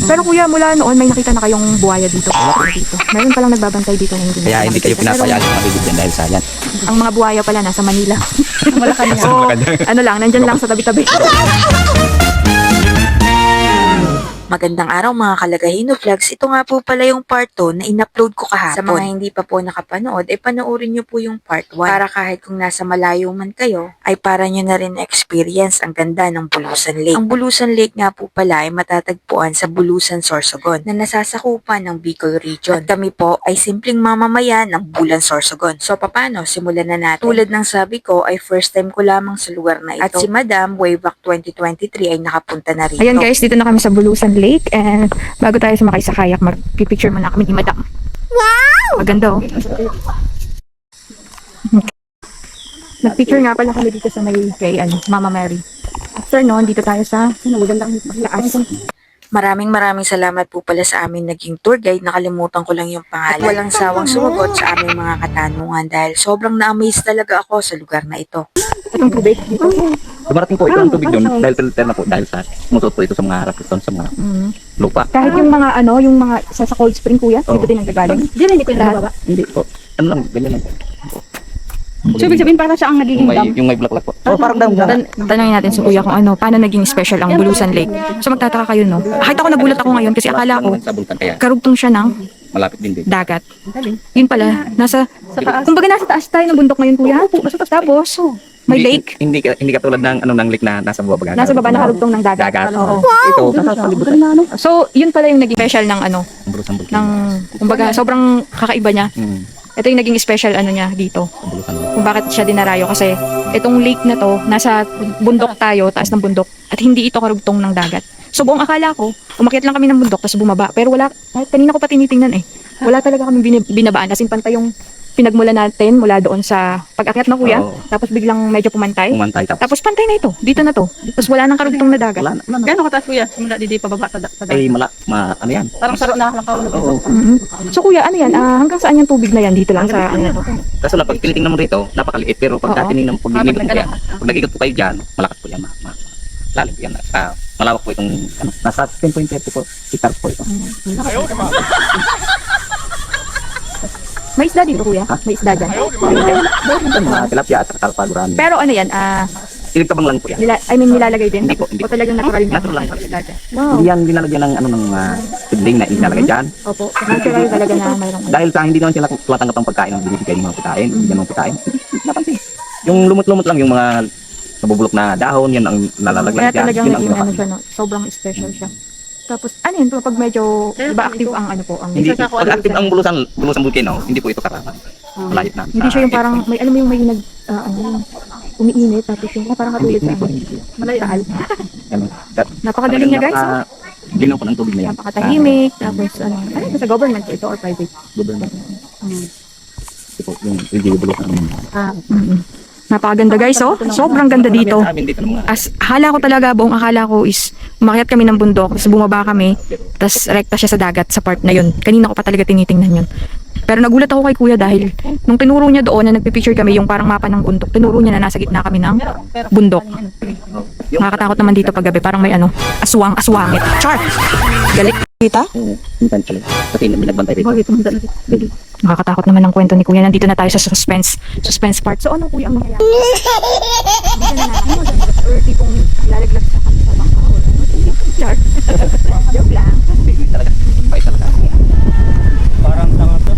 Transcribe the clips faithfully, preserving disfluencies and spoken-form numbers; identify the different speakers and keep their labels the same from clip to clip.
Speaker 1: Pero kuya, mula noon may nakita na kayong buhaya dito. Wala dito. Meron palang nagbabantay dito na hindi
Speaker 2: Kaya hindi kayo
Speaker 1: nakikita.
Speaker 2: pinapayaan ng mga bibigyan dahil sa yan.
Speaker 1: Ang mga buhaya pala nasa Manila.
Speaker 3: Malacanang.
Speaker 1: O ano lang, nandyan lang sa tabi-tabi.
Speaker 4: Magandang araw mga kalagahino vlogs. Ito nga po pala yung part two na in-upload ko kahapon. Sa mga hindi pa po nakapanood, eh panoorin nyo po yung part one. Para kahit kung nasa malayo man kayo, ay para nyo na rin experience ang ganda ng Bulusan Lake. Ang Bulusan Lake nga po pala ay matatagpuan sa Bulusan, Sorsogon na nasasakupan ng Bicol Region. At kami po ay simpleng mamamayan ng Bulan, Sorsogon. So paano? Simulan na natin. Tulad ng sabi ko ay first time ko lamang sa lugar na ito. At si Madam way back twenty twenty-three ay nakapunta na rito.
Speaker 1: Ayan guys, dito na kami sa Bulusan Lake and bago tayo sumakay sa kayak, mag-picture muna kami ni Madam. Wow! Maganda oh. Nag-picture nga pala kami dito sa may kay ano, Mama Mary. After noon, dito tayo sa magandang taas.
Speaker 4: Maraming maraming salamat po pala sa amin naging tour guide. Nakalimutan ko lang yung pangalan. At walang sawang sumagot sa aming mga katanungan dahil sobrang na-amaze talaga ako sa lugar na ito.
Speaker 1: Itong tubig dito.
Speaker 2: Dumarating po ito ang tubig doon dahil filter na po dahil sa musot po ito sa mga harap ito sa mga
Speaker 1: Mm.
Speaker 2: lupa.
Speaker 1: Kahit yung mga ano, yung mga sa, sa cold spring kuya, dito
Speaker 2: Oo.
Speaker 1: din ang gagaling.
Speaker 3: Di rin, hindi ko yung nababa.
Speaker 2: Hindi po. Ano lang, ganyan lang po.
Speaker 3: So, ibig sabihin para siya ang nagiging
Speaker 2: Yung may,
Speaker 3: dam.
Speaker 2: yung may bulaklak po. Oh, parang dam.
Speaker 1: Tan tanongin natin sa kuya kung ano, paano naging special ang Bulusan Lake. So magtataka kayo no. Kahit ako nagulat ako ngayon kasi akala ko
Speaker 2: Sa bulkan kaya
Speaker 1: karugtong siya ng
Speaker 2: malapit din din.
Speaker 1: dagat. Yun pala, nasa
Speaker 3: Sa taas.
Speaker 1: kumbaga nasa taas tayo ng bundok ngayon kuya. Tapos may
Speaker 2: Hindi-
Speaker 1: lake.
Speaker 2: Hindi ka- hindi katulad ng ano ng lake na nasa baba baga.
Speaker 1: Nasa baba nakarugtong ng dagat.
Speaker 2: Dagat.
Speaker 1: Oo.
Speaker 2: Ito, nasa palibutan.
Speaker 1: So yun pala yung naging special ng ano,
Speaker 2: Ang Bulusan bulkan.
Speaker 1: ng kumbaga sobrang kakaiba niya.
Speaker 2: Hmm.
Speaker 1: Ito yung naging special ano niya dito.
Speaker 2: Ang Bulusan bulkan.
Speaker 1: Kung bakit siya dinarayo kasi itong lake na to nasa bundok tayo, taas ng bundok at hindi ito karugtong ng dagat. So buong akala ko, umakyat lang kami ng bundok tapos bumaba. Pero wala, kahit kanina ko pa tinitingnan eh. Wala talaga kami bin- binabaan. As in pantay yung pinagmula natin mula doon sa pag-akyat na kuya.
Speaker 2: Oo.
Speaker 1: Tapos biglang medyo pumantay.
Speaker 2: Umantay tapos.
Speaker 1: Tapos pantay na ito. Dito na to. Tapos wala nang karugtong na dagat.
Speaker 2: Wala na. Wala na.
Speaker 3: Gano'ng kataas kuya? Mula di di pababa sa, da- sa dam.
Speaker 2: Ay, mala, ma, ano yan?
Speaker 3: Parang saro na lang kaulog.
Speaker 2: Oo.
Speaker 1: Mhm. So kuya, ano yan? Ah, hanggang saan yung tubig na yan? Dito lang sa ano na to?
Speaker 2: Kaso lang, pag tinitingnan mo rito, napakaliit. Pero pag
Speaker 1: Oo.
Speaker 2: titingnan mo, pag
Speaker 3: Ah,
Speaker 2: nag-ikot
Speaker 3: pag
Speaker 2: po yan,
Speaker 3: nag-
Speaker 2: pag nag-ikot po kayo dyan, malakas po yan. Ma, ma, lalim po yan. Ah, malawak po itong, ano, nasa ten point three po hectares po ito.
Speaker 1: May isda dito kuya? May isda dyan.
Speaker 2: Ito, mga tilapia at kalpaguran.
Speaker 1: Pero ano yan? Ah,
Speaker 2: Iligtabang lang po yan.
Speaker 1: nila, I mean nilalagay din?
Speaker 2: Hindi po, hindi
Speaker 1: O
Speaker 2: po.
Speaker 1: talagang natural na?
Speaker 2: Natural lang.
Speaker 1: isda dyan? Wow.
Speaker 2: Hindi yan dinalagyan ng ano ng uh, sibling na inalagay dyan.
Speaker 1: Opo. Natural talaga na mayroong
Speaker 2: Dahil sa hindi naman sila tumatanggap ng pagkain ng binibigay ng mga pagkain, hindi naman pagkain. Napansin. Yung lumot-lumot lang yung mga nabubulok na dahon, yan ang nalalaglag
Speaker 1: Kaya
Speaker 2: dyan.
Speaker 1: talagang
Speaker 2: Yun ang
Speaker 1: naging ano
Speaker 2: pinaka-
Speaker 1: siya, no? Sobrang special siya. Tapos, ano yun, pag medyo,
Speaker 3: Kaya
Speaker 1: iba
Speaker 3: po
Speaker 1: active
Speaker 3: ito.
Speaker 1: ang ano po, ang
Speaker 2: Hindi,
Speaker 3: Isa sa
Speaker 2: pag active ang bulusan, bulusan volcano, hindi po ito karaman. Malayot na.
Speaker 1: hindi siya yung parang, may alam mo yung may nag, ah, ano, yung umiinit, tapos yung, ah, parang
Speaker 2: Hindi,
Speaker 1: katulad sa
Speaker 2: hindi po,
Speaker 1: ano,
Speaker 2: hindi po.
Speaker 3: Malayo.
Speaker 1: taal.
Speaker 2: Ano, that-
Speaker 1: Napakagaling niya guys, oh.
Speaker 2: Napaka- Ginaw po ng tubig na yan.
Speaker 1: Napakatahimik, tapos ano, ano ito sa government po ito or private?
Speaker 2: Ah, government. Ito po, yung L G U bulusan.
Speaker 1: Ah, mm Napakaganda guys, oh. Sobrang ganda dito.
Speaker 2: Sa amin dito ng mga
Speaker 1: As akala ko talaga, buong akala ko is umakyat kami ng bundok, tapos bumaba kami, tapos rekta siya sa dagat sa part na yun. Kanina ko pa talaga tinitingnan yun. Pero nagulat ako kay kuya dahil nung tinuro niya doon na nagpipicture kami yung parang mapa ng bundok, tinuro niya na nasa gitna kami ng bundok. Nakakatakot naman dito pag gabi, parang may ano, aswang, aswangit. Char! Galit kita?
Speaker 2: Oo, minsan pala. Kasi binagbantay rito.
Speaker 1: Nakakatakot naman ang kwento ni kuya. Nandito na tayo sa suspense, suspense part. So ano kuya ang mangyayari? Hindi na natin mag- or tipong lalaglag sa kami sa bangka or ano. Char! Joke lang.
Speaker 2: Talaga, bait talaga. Parang tanga to.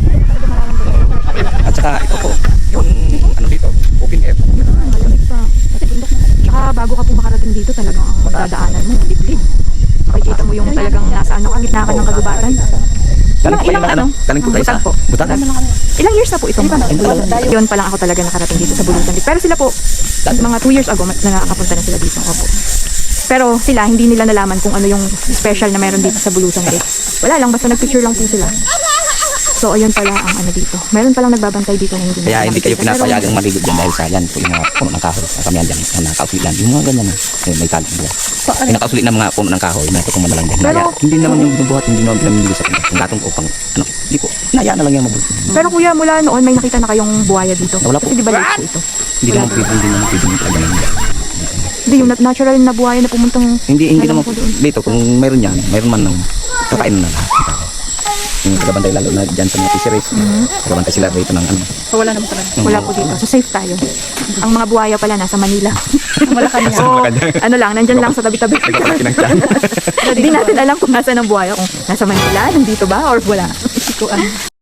Speaker 2: At saka ito po, yung ano dito, open air.
Speaker 1: Malamig pa. Kasi bundok na. Tsaka bago ka po makarating dito, talagang ang dadaanan mo, liblib. Makikita mo yung talagang nasa ano, ang gitna ka ng kagubatan.
Speaker 2: Galing po
Speaker 1: Ilang-
Speaker 2: kayo na ano?
Speaker 1: ano?
Speaker 2: Galing po tayo sa
Speaker 1: Butag po.
Speaker 2: Butagan.
Speaker 1: Ilang years na po itong Yun pa lang ako talaga nakarating dito sa Bulusan Lake. Pero sila po, mga two years ago, na nakakapunta na sila dito. Opo. Pero sila, hindi nila nalaman kung ano yung special na meron dito sa Bulusan Lake. Wala lang, basta nagpicture lang po sila. So, ayun pala ang ano dito. Meron palang nagbabantay dito na hindi
Speaker 2: Kaya hindi kayo
Speaker 1: nakikita. Pero-
Speaker 2: pinapayagang maligo dyan dahil sa yan po yung mga puno ng kahoy. Kami yan dyan, na nakausulit lang. Yung mga ganyan na, eh, may talang dyan. Yung nakausulit na mga puno ng kahoy, may tutuman na lang dyan.
Speaker 1: Pero-
Speaker 2: Kaya, hindi naman yung binubuhat, hindi naman pinamili sa kanya. Yung gatong upang, ano, hindi po, naya na lang yan mabuti.
Speaker 1: Pero kuya, mula noon may nakita na kayong buhaya dito.
Speaker 2: Wala po.
Speaker 1: Kasi di ba lake po ito?
Speaker 2: Hindi naman pwede, hindi naman pwede yung talaga lang yan.
Speaker 1: Hindi, yung nat- natural na buhay na pumuntang...
Speaker 2: Hindi, hindi
Speaker 1: Alam
Speaker 2: naman
Speaker 1: ko doon.
Speaker 2: dito. Kung mayroon yan, mayroon man ng kakain na lahat. Yung tagabantay lalo na dyan sa mga fisheries. Tagabantay sila rito ng ano.
Speaker 3: So wala naman talaga.
Speaker 1: Wala po dito. So safe tayo. Ang mga buhaya pala nasa Manila.
Speaker 3: Wala kanya.
Speaker 1: Oo, ano lang, nandyan lang sa tabi-tabi.
Speaker 2: Nagkakaki ng tiyan.
Speaker 1: Hindi natin alam kung nasa ng buhaya. Kung nasa Manila, nandito ba, or wala.
Speaker 3: Sikuan.